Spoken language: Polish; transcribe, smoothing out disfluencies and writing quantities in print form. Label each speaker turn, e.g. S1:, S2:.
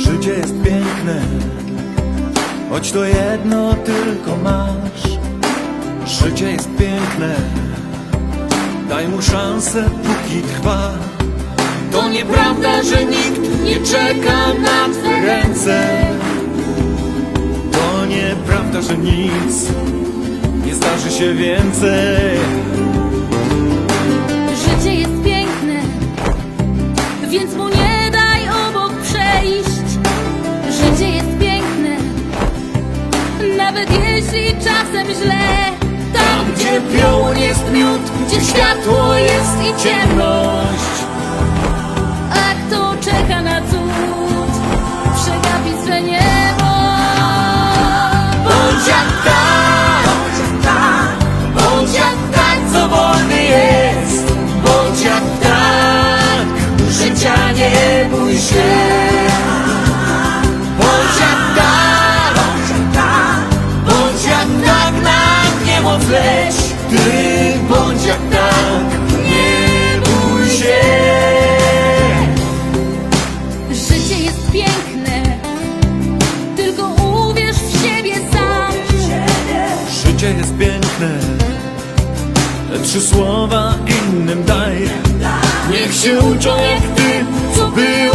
S1: Życie jest piękne, choć to jedno tylko masz. Życie jest piękne, daj mu szansę, póki trwa. To nieprawda, że nikt nie czeka na twe ręce. To nieprawda, że nic nie zdarzy się więcej.
S2: Życie jest piękne, więc mu nie daj obok przejść. Życie jest piękne, nawet jeśli czasem źle.
S1: Tam, gdzie piołun jest miód, gdzie światło jest i ciemność.
S2: A kto czeka na cud, przegapi swe niebo.
S1: Bądź jak tak, bądź jak tak, co wolny jest. Bądź jak tak, życia nie bój się. Bądź jak tak, bądź jak tak, na niemoc leć. Ty bądź jak tak, nie bój się.
S2: Życie jest piękne, tylko uwierz w siebie sam.
S1: Życie jest piękne, te 3 słowa innym daj. Niech się uczą jak ty, co było